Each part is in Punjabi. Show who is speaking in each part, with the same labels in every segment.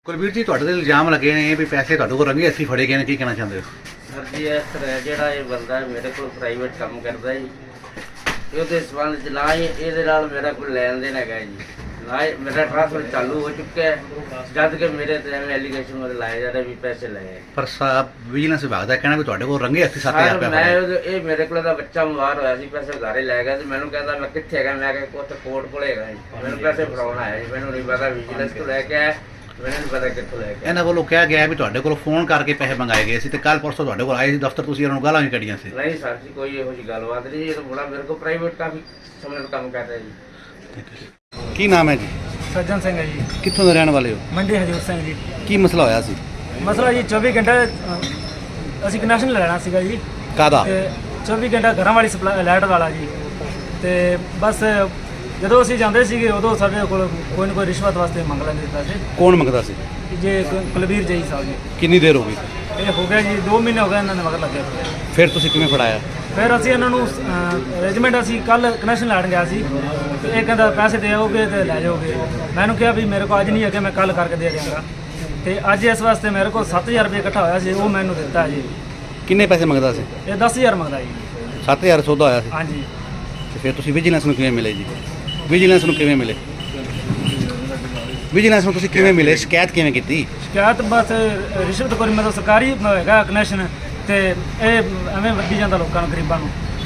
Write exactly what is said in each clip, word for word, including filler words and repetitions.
Speaker 1: ਕੁਲਵੀਰ ਜੀ, ਤੁਹਾਡੇ ਤੇ ਇਲਜ਼ਾਮ ਲੱਗੇ ਨੇ ਵੀ ਪੈਸੇ ਤੁਹਾਡੇ ਕੋਲ ਰੰਗੇ ਹੱਥੀਂ ਫੜੇ ਗਏ ਨੇ, ਕੀ ਕਹਿਣਾ ਚਾਹੁੰਦੇ ਹੋ?
Speaker 2: ਸਰ ਜੀ, ਇਸ ਤਰ੍ਹਾਂ ਜਿਹੜਾ ਇਹ ਬੰਦਾ ਮੇਰੇ ਕੋਲ ਪ੍ਰਾਈਵੇਟ ਕੰਮ ਕਰਦਾ ਜੀ, ਉਹਦੇ ਸੰਬੰਧ 'ਚ ਨਾ ਹੀ ਇਹਦੇ ਨਾਲ ਮੇਰਾ ਕੋਈ ਲੈਣ ਦੇਣ ਹੈਗਾ ਜੀ, ਨਾ ਹੀ ਮੇਰਾ ਟ੍ਰਾਂਸਫਰ ਚਾਲੂ ਹੋ ਚੁੱਕਿਆ ਹੈ, ਜਦ ਕਿ ਮੇਰੇ ਤੇ ਐਵੇਂ ਐਲੀਗੇਸ਼ਨ ਮੇਰੇ ਲਾਏ ਜਾ ਰਹੇ ਵੀ ਪੈਸੇ ਲਏ।
Speaker 1: ਪਰ ਸਾਹਿਬ ਵਿਜੀਲੈਂਸ ਵਿਭਾਗ ਦਾ ਕਹਿਣਾ ਵੀ ਤੁਹਾਡੇ ਕੋਲ ਰੰਗੇ ਹੱਥੀਂ ਸੱਤ ਹਜ਼ਾਰ
Speaker 2: ਸਰ
Speaker 1: ਰੁਪਏ
Speaker 2: ਮੈਂ
Speaker 1: ਫੜੇ।
Speaker 2: ਉਹਦੇ- ਇਹ ਮੇਰੇ ਕੋਲ ਦਾ ਬੱਚਾ ਬਿਮਾਰ ਹੋਇਆ ਸੀ, ਪੈਸੇ ਉਧਾਰੇ ਲੈ ਗਿਆ ਸੀ, ਮੈਨੂੰ ਕਹਿੰਦਾ ਮੈਂ ਕਿੱਥੇ ਹੈਗਾ, ਮੈਂ ਕਿਹਾ ਉੱਥੇ ਕੋਰਟ ਕੋਲ ਹੈਗਾ ਜੀ, ਮੈਨੂੰ ਪੈਸੇ ਫੜਾਉਣ ਆਇਆ ਜੀ, ਮੈਨੂੰ ਨਹੀਂ ਪਤਾ ਵਿਜੀਲੈਂਸ ਤੋਂ ਲੈ ਕੇ ਆਇਆ, ਮੈਨੂੰ ਨਹੀਂ ਪਤਾ ਕਿੱਥੋਂ ਲੈ ਕੇ ਆਇਆ।
Speaker 1: ਇਹਨਾਂ ਵੱਲੋਂ ਕਿਹਾ ਗਿਆ ਵੀ ਤੁਹਾਡੇ ਕੋਲ ਫੋਨ ਕਰਕੇ ਪੈਸੇ ਮੰਗਾਏ ਗਏ ਸੀ ਤੇ ਕੱਲ ਪਰਸੋਂ ਤੁਹਾਡੇ ਕੋਲ ਆਏ ਸੀ ਦਫ਼ਤਰ, ਤੁਸੀਂ ਇਹਨਾਂ ਨੂੰ ਗਾਲਾਂ ਵੀ ਕੱਢੀਆਂ ਸੀ।
Speaker 2: ਨਹੀਂ ਸਰ ਜੀ, ਕੋਈ ਇਹੋ ਜਿਹੀ ਗੱਲਬਾਤ ਨਹੀਂ, ਇਹ ਤਾਂ ਬੜਾ ਮੇਰੇ ਕੋਲ ਪ੍ਰਾਈਵੇਟ ਕਾਫੀ ਸਮੇਂ ਤੋਂ ਕੰਮ ਕਰ ਰਿਹਾ ਜੀ।
Speaker 1: ਕੀ ਨਾਮ ਹੈ ਜੀ?
Speaker 3: ਸੱਜਣ ਸਿੰਘ ਹੈ ਜੀ,
Speaker 1: ਕਿੱਥੋਂ ਦੇ ਰਹਿਣ ਵਾਲੇ ਹੋ?
Speaker 3: ਮੰਡੀ ਹਜੂਰ ਸਿੰਘ ਜੀ।
Speaker 1: ਕੀ ਮਸਲਾ ਹੋਇਆ ਸੀ?
Speaker 3: ਮਸਲਾ ਜੀ ਚੌਵੀ ਘੰਟੇ ਅ, ਅਸੀਂ ਕਨੈਕਸ਼ਨ ਲੈਣਾ ਸੀਗਾ ਜੀ,
Speaker 1: ਕਾਹਦਾ?
Speaker 3: ਤੇ ਚੌਵੀ ਘੰਟਾ ਘਰਾਂ ਵਾਲੀ ਸਪਲਾਈ ਲਾਈਟ ਵਾਲਾ ਜੀ। ਤੇ ਬਸ ਜਦੋਂ ਅਸੀਂ ਜਾਂਦੇ ਸੀਗੇ ਉਦੋਂ ਸਾਡੇ ਕੋਲ ਕੋਈ ਨਾ ਕੋਈ ਰਿਸ਼ਵਤ ਵਾਸਤੇ ਮੰਗ ਲੈਂਦੇ ਪੈਸੇ,
Speaker 1: ਕੌਣ ਮੰਗਦਾ ਸੀ?
Speaker 3: ਜੇ ਕ- ਕੁਲਵੀਰ ਜੀ ਸਾਹਿਬ ਜੀ।
Speaker 1: ਕਿੰਨੀ ਦੇਰ ਹੋ ਗਈ?
Speaker 3: ਇਹ ਹੋ ਗਿਆ ਜੀ ਦੋ ਮਹੀਨੇ ਹੋ ਗਏ ਇਹਨਾਂ ਨੇ ਮਗਰ ਲੱਗੇ ਹੋਏ।
Speaker 1: ਫਿਰ ਤੁਸੀਂ ਕਿਵੇਂ ਫੜਾਇਆ?
Speaker 3: ਫਿਰ ਅਸੀਂ ਇਹਨਾਂ ਨੂੰ ਅਰੇਂਜਮੈਂਟ, ਅਸੀਂ ਕੱਲ ਕਨੈਕਸ਼ਨ ਲੈਣ ਗਿਆ ਸੀ ਤੇ ਇਹ ਕਹਿੰਦਾ ਪੈਸੇ ਦੇ ਆਓਗੇ ਤੇ ਲੈ ਜਾਓਗੇ। ਮੈਨੂੰ ਕਿਹਾ ਵੀ ਮੇਰੇ ਕੋਲ ਅੱਜ ਨਹੀਂ ਹੈਗੇ, ਮੈਂ ਕੱਲ ਕਰਕੇ ਦੇ ਦਿਆਂਗਾ। ਤੇ ਅੱਜ ਇਸ ਵਾਸਤੇ ਮੇਰੇ ਕੋਲ ਸੱਤ ਹਜ਼ਾਰ ਰੁਪਏ ਇਕੱਠਾ ਹੋਇਆ ਸੀ, ਉਹ ਮੈਨੂੰ ਦਿੱਤਾ ਜੀ।
Speaker 1: ਕਿੰਨੇ ਪੈਸੇ ਮੰਗਦਾ ਸੀ?
Speaker 3: ਇਹ ਦਸ ਹਜ਼ਾਰ ਮੰਗਦਾ ਜੀ।
Speaker 1: ਸੱਤ ਹਜ਼ਾਰ ਸੌਦਾ ਹੋਇਆ ਸੀ
Speaker 3: ਹਾਂਜੀ।
Speaker 1: ਤੇ ਫਿਰ ਤੁਸੀਂ ਵਿਜੀਲੈਂਸ ਨੂੰ ਕਿਵੇਂ ਮਿਲੇ ਜੀ? ਵਿਜੀਲੈਂਸ ਨੂੰ ਕਿਵੇਂ ਮਿਲੇ? ਵਿਜੀਲੈਂਸ ਨੂੰ ਤੁਸੀਂ ਕਿਵੇਂ ਮਿਲੇ? ਸ਼ਿਕਾਇਤ ਕਿਵੇਂ ਕੀਤੀ?
Speaker 3: ਸ਼ਿਕਾਇਤ ਬਸ ਰਿਸ਼ਵਤ ਕੋਈ ਮਤਲਬ ਸਰਕਾਰੀ ਹੈਗਾ ਕਨੈਕਸ਼ਨ, ਤੇ ਇਹ ਐਵੇਂ ਵੱਢੀ ਜਾਂਦਾ ਲੋਕਾਂ ਨੂੰ, ਗਰੀਬਾਂ ਨੂੰ।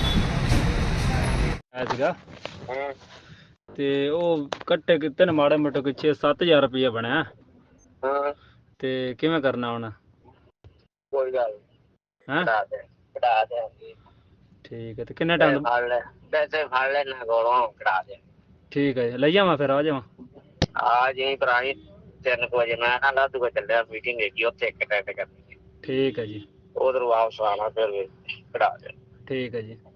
Speaker 3: ਆਇਆ ਸੀਗਾ ਤੇ ਉਹ ਕੱਟੇ ਕਿਤੇ ਨੇ ਮਾੜੇ ਮੋਟੇ ਕੋਈ ਛੇ ਸੱਤ ਹਜ਼ਾਰ ਰੁਪਇਆ ਬਣਿਆ।
Speaker 2: ਹਾਂ,
Speaker 3: ਤੇ ਕਿਵੇਂ ਕਰਨਾ ਹੁਣ?
Speaker 2: ਕੋਈ ਗੱਲ
Speaker 3: ਹੈਂ?
Speaker 2: ਕਢਾ ਦੇ ਕਢਾ ਦੇ
Speaker 3: ਠੀਕ ਹੈ। ਤੇ ਕਿੰਨੇ ਟਾਈਮ?
Speaker 2: ਫੜ ਲੈ ਪੈਸੇ, ਫੜ ਲੈ ਨਾ ਕੋਲੋਂ, ਕਢਾ ਦੇ।
Speaker 3: ਠੀਕ ਹੈ ਜੀ, ਲਈ ਜਾਵਾਂ ਫਿਰ? ਆ ਜਾਵਾਂ?
Speaker 2: ਆ ਜੀ ਭਰਾਈ, ਤਿੰਨ ਕੁ ਵਜੇ ਮੈਂ ਨਾ ਲੱਦ ਕੋ ਚੱਲਿਆ, ਮੀਟਿੰਗ ਹੈਗੀ ਉੱਥੇ ਇੱਕ ਅਟੈਂਡ ਕਰਨੀ।
Speaker 3: ਠੀਕ ਹੈ ਜੀ।
Speaker 2: ਉਧਰ ਵਾਪਸ ਆਣਾ, ਫਿਰ ਵੀ ਕਢਾ ਦੇ।
Speaker 3: ਠੀਕ ਹੈ ਜੀ।